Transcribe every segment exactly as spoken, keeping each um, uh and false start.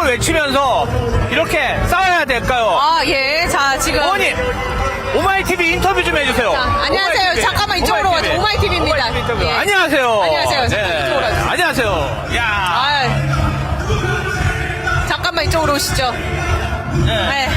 구호를 외치면서 이렇게 싸워야 될까요? 아, 예. 자, 지금. 어머니, 오마이티비 인터뷰 좀 해주세요. 자, 안녕하세요. 오마이티비. 잠깐만 이쪽으로 와줘. 오마이티비. 오마이티비입니다. 오마이티비 인터뷰. 예. 안녕하세요. 안녕하세요. 잠깐 이쪽으로 와주세요. 안녕하세요. 야. 아, 잠깐만 이쪽으로 오시죠. 네. 네.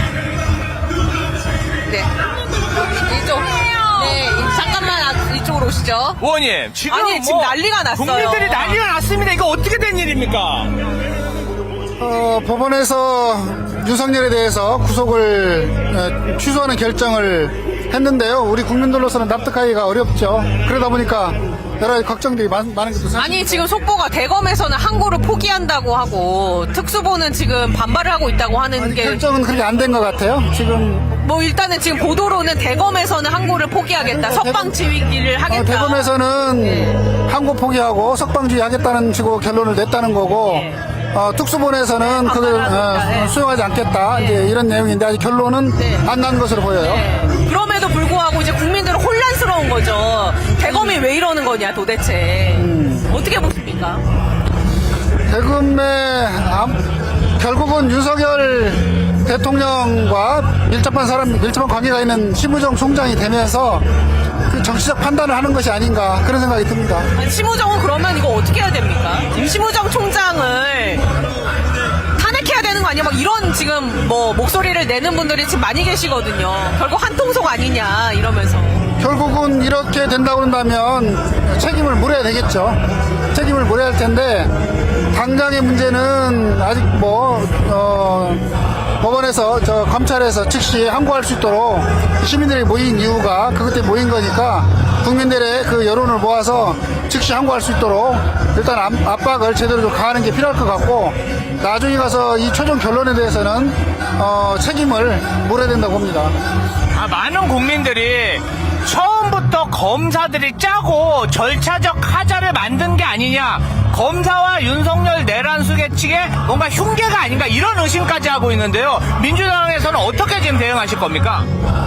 네. 이쪽. 네. 잠깐만 아, 이쪽으로 오시죠. 의원님, 지금 아니, 지금 뭐 난리가 났어요. 국민들이 난리가 났습니다. 이거 어떻게 된 일입니까? 어, 법원에서 윤석열에 대해서 구속을 어, 취소하는 결정을 했는데요. 우리 국민들로서는 납득하기가 어렵죠. 그러다 보니까 여러 가지 걱정들이 많, 많은 것도 사실. 아니, 지금 속보가 대검에서는 항고를 포기한다고 하고 특수보는 지금 반발을 하고 있다고 하는 아니, 게. 결정은 그렇게 안 된 것 같아요. 지금 뭐 일단은 지금 보도로는 대검에서는 항고를 포기하겠다. 석방 지휘기를 하겠다. 어, 대검에서는 항고 포기하고 석방주의 하겠다는 식으로 결론을 냈다는 거고 네. 어, 특수본에서는 그걸 어, 수용하지 않겠다. 이제 이런 내용인데 아직 결론은 네. 안 난 것으로 보여요. 네. 그럼에도 불구하고 이제 국민들은 혼란스러운 거죠. 대검이 왜 이러는 거냐 도대체. 음. 어떻게 보십니까? 대금의 암- 결국은 윤석열 대통령과 밀접한 사람, 밀접한 관계가 있는 심우정 총장이 되면서 그 정치적 판단을 하는 것이 아닌가 그런 생각이 듭니다. 아니, 심우정은 그러면 이거 어떻게 해야 됩니까? 지금 심우정 총장을 탄핵해야 되는 거 아니야? 막 이런 지금 뭐 목소리를 내는 분들이 지금 많이 계시거든요. 결국 한통속 아니냐 이러면서. 결국은 이렇게 된다고 한다면 책임을 물어야 되겠죠. 책임을 물어야 할 텐데 당장의 문제는 아직 뭐 어, 법원에서 저 검찰에서 즉시 항고할 수 있도록 시민들이 모인 이유가 그것 때문에 모인 거니까 국민들의 그 여론을 모아서 즉시 항고할 수 있도록 일단 압- 압박을 제대로 좀 가하는 게 필요할 것 같고 나중에 가서 이 최종 결론에 대해서는 어, 책임을 물어야 된다고 봅니다. 아, 많은 국민들이 처음부터 검사들이 짜고 절차적 하자를 만든 게 아니냐, 검사와 윤석열 내란 수계 측에 뭔가 흉계가 아닌가 이런 의심까지 하고 있는데요. 민주당에서는 어떻게 지금 대응하실 겁니까?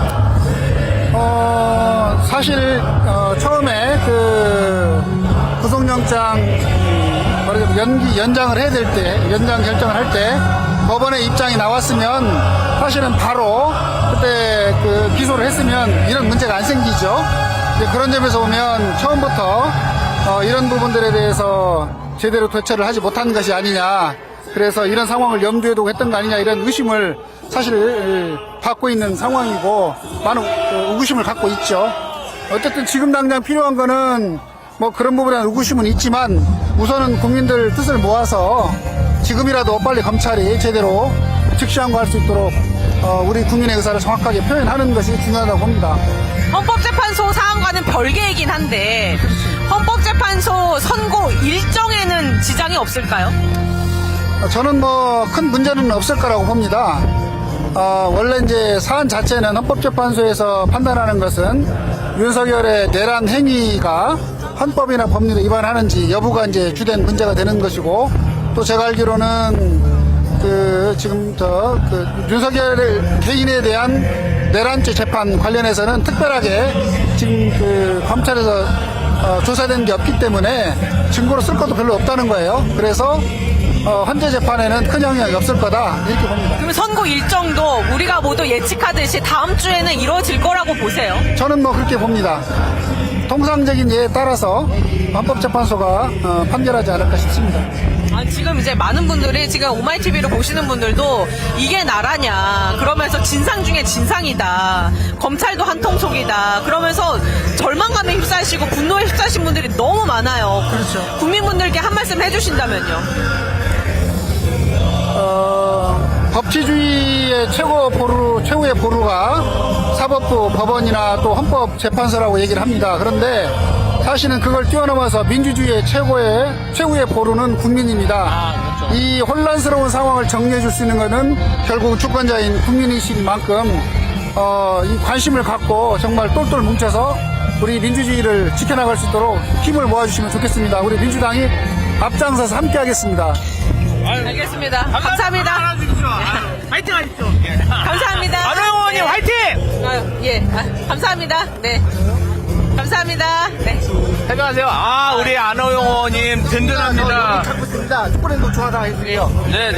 어, 사실, 어, 처음에 그 구속영장, 음, 뭐라죠, 연기, 연장을 해야 될 때, 연장 결정을 할 때, 법원의 입장이 나왔으면, 사실은 바로, 그때 그 기소를 했으면 이런 문제가 안 생기죠. 이제 그런 점에서 보면, 처음부터, 어, 이런 부분들에 대해서 제대로 대처를 하지 못한 것이 아니냐. 그래서 이런 상황을 염두에 두고 했던 거 아니냐 이런 의심을 사실 받고 있는 상황이고 많은 의구심을 갖고 있죠. 어쨌든 지금 당장 필요한 거는 뭐 그런 부분에 대한 의구심은 있지만 우선은 국민들 뜻을 모아서 지금이라도 빨리 검찰이 제대로 즉시 항고할 수 있도록 어, 우리 국민의 의사를 정확하게 표현하는 것이 중요하다고 봅니다. 헌법재판소 사안과는 별개이긴 한데 헌법재판소 선고 일정에는 지장이 없을까요? 저는 뭐 큰 문제는 없을 거라고 봅니다. 어, 원래 이제 사안 자체는 헌법재판소에서 판단하는 것은 윤석열의 내란 행위가 헌법이나 법률에 위반하는지 여부가 이제 주된 문제가 되는 것이고 또 제가 알기로는 그 지금 저 그 윤석열 개인에 대한 내란죄 재판 관련해서는 특별하게 지금 그 검찰에서 어, 조사된 게 없기 때문에 증거로 쓸 것도 별로 없다는 거예요. 그래서 어, 헌재 재판에는 큰 영향이 없을 거다 이렇게 봅니다. 그럼 선고 일정도 우리가 모두 예측하듯이 다음 주에는 이루어질 거라고 보세요? 저는 뭐 그렇게 봅니다. 통상적인 예에 따라서 헌법재판소가 어, 판결하지 않을까 싶습니다. 아, 지금 이제 많은 분들이 지금 오마이티비를 보시는 분들도 이게 나라냐 그러면서 진상 중에 진상이다 검찰도 한통속이다 그러면서 절망감에 휩싸이시고 분노에 휩싸이신 분들이 너무 많아요. 그렇죠. 국민분들께 한 말씀 해주신다면요. 어, 법치주의의 최고 보루, 최후의 보루가 사법부, 법원이나 또 헌법재판소라고 얘기를 합니다. 그런데 사실은 그걸 뛰어넘어서 민주주의의 최고의, 최후의 보루는 국민입니다. 아, 그렇죠. 이 혼란스러운 상황을 정리해 줄 수 있는 것은 결국 주권자인 국민이신 만큼, 어, 이 관심을 갖고 정말 똘똘 뭉쳐서 우리 민주주의를 지켜나갈 수 있도록 힘을 모아주시면 좋겠습니다. 우리 민주당이 앞장서서 함께 하겠습니다. 알겠습니다. 감사합니다. 화이팅 하십시오. 감사합니다. 안호영 의원님 화이팅! 아유, 예, 아, 감사합니다. 네. 감사합니다. 네. 안녕하세요. 아, 우리 안호영 의원님 든든합니다. 찾고 있습니다. 축구랜드 좋아다 해주세요. 네.